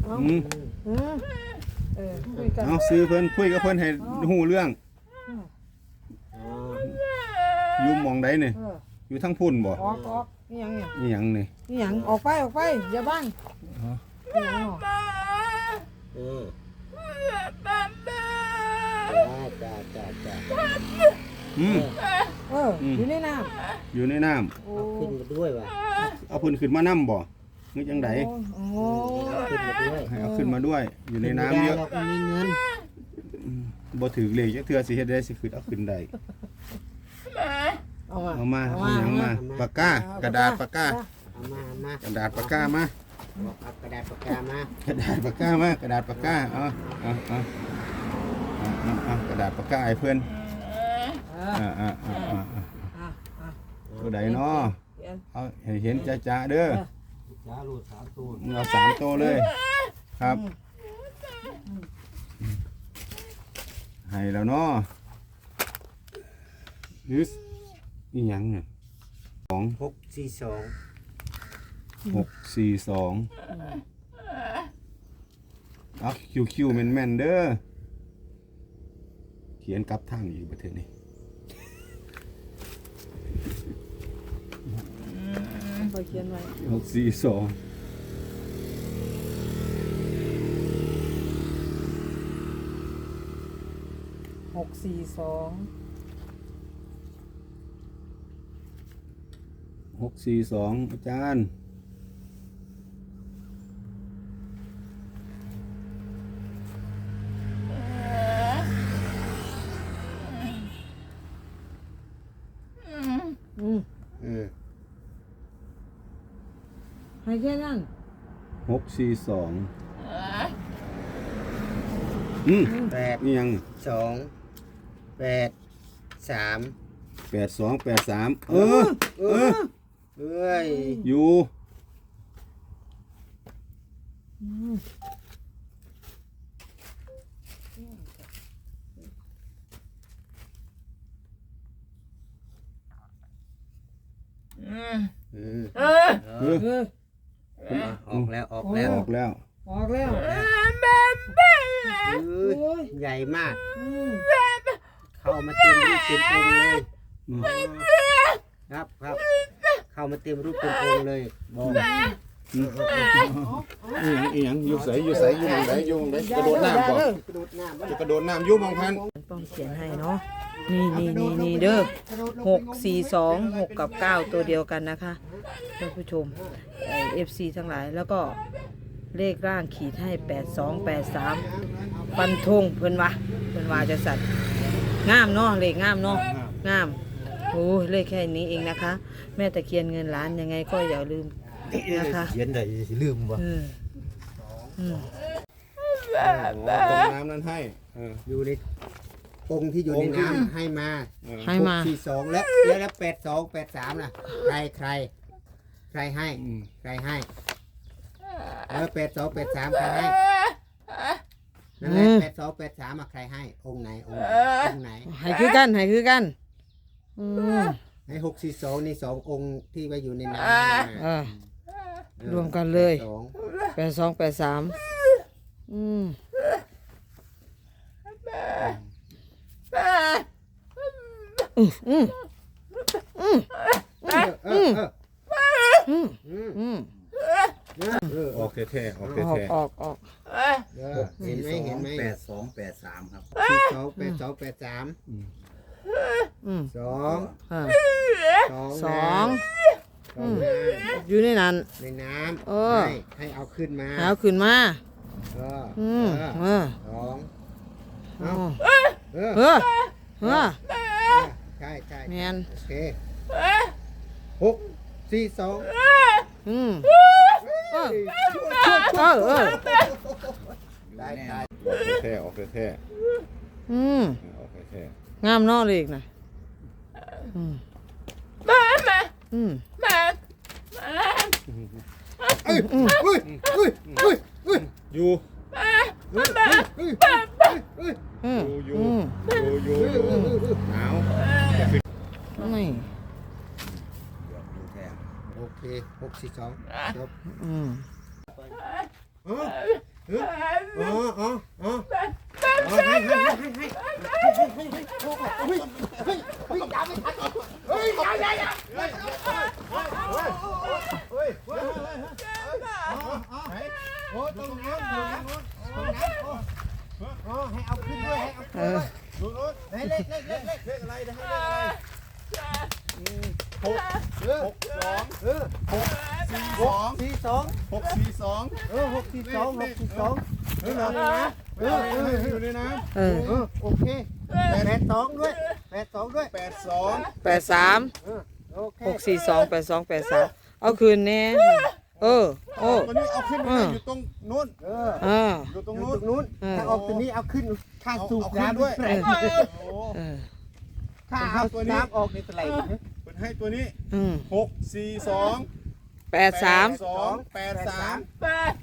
คุยกันเอาซื้อเพิ่นคุยกับเพิ่นให้ฮู้เรื่องอยู่หม่องใดนี่อยู่ทั้งพุ่นบ่ออกนี่หยังเนี่ยนี่หยังนี่นี่หยังออกไปอย่าบ้างนี่หยังเนาะจ้าอยู่ในน้ำอยู่ในน้ำขึ้นมาด้วยว่ะเอาเพิ่นขึ้นมานํบ่นึกจังได๋ขึ้นมาด้วยให้เอาขึ้นมาด้วยอยู่ในน้ำเยอะเราก็มีเงินบ่ถือเลขจักเทื่อสิเฮ็ดได้สิขึ้นเอาขึ้นได้เอามาเอาหยังมาปากกากระดาษปากกาเอามากระดาษปากกามาเอากระดาษปากกามากระดาษปากกามากระดาษปากกาเอากระดาษปากกาให้เพื่อนตัวใดเนาะเอาให้เห็นจ้าเด้อจ้าลูก3ตัวเอา3ตัวเลยครับให้แล้วเนาะยึดนี่ยังเนี่ย642เอาคิวแม่นเด้อเขียนกลับทางอยู่ประเทศนี้ไปเขียนไว้ 642 642อาจารย์ให้แค่นั้น 642 8 นี่ยัง 2 8 3 8283เอ้ยอยู่ออกแล้วใหญ่มากเข้ามาเต็มรูปเต็มองค์เลยครับเข้ามาเต็มรูปเต็มองค์เลยบอกอีหยังอยู่ใสอยู่หม่องใดอยู่หม่องใดกระโดดน้ำบ่จะกระโดดน้ำอยู่หม่องพันต้องเขียนให้เนาะนี่เด้อ642 6กับ9ตัวเดียวกันนะคะท่านผู้ชมFC ทั้งหลายแล้วก็เลขร่างขีดให้8283ฟันธงเพิ่นว่าจะสัตว์งามเนาะเลขงามเนาะงามโอ้เลขแค่นี้เองนะคะแม่ตะเคียนเงินล้านยังไงก็อย่าลืมนะคะเขียนได้สิลืมบ่ตรงน้ำนั้นให้อยู่ในองค์ที่อยู่ในน้ำให้มา642แล้ว8283น่ะใครให้8283ใครให้นั่นแหละ8283ใครให้องค์ไหนให้คือกันให้ 642นี่2องค์ที่ไว้อยู่ในน้ำรวมกันเลย8283 ออกแท้ๆออกเห็นไหม 8283ครับ 8283 2 อยู่ในนั้นในน้ำให้เอาขึ้นมาใช่แมนโอเค642 ได้ออกแท้งามนอเลยนะอยู่หนาวไม่โอเค642จบอ๋ออ๋ออ๋อโอ้ตรงน้ำอ๋อให้เอาขึ้นด้วยให้เอาขึ้นด้วยดูนู้นเลขเลขอะไรอะไรนะเลขอะไรหกสอง 42 642 642นี่เหรออยู่ในน้โอเค82ด้วย82ด้วยำ82 83 โอเค 642 82 83เอาคืนแน่โอ้ตัวนี้เอาขึ้นไปอยู่ตรงนู้น อยู่ตรงอยู่นู้นตรงนู้นถ้าออกตัวนี้เอาขึ้นค่าสูบน้ำด้วยโอ้ค่าเอาตัวน้ำออกในตะไลเป็นให้ตัวนี้อืม 642 83 82 83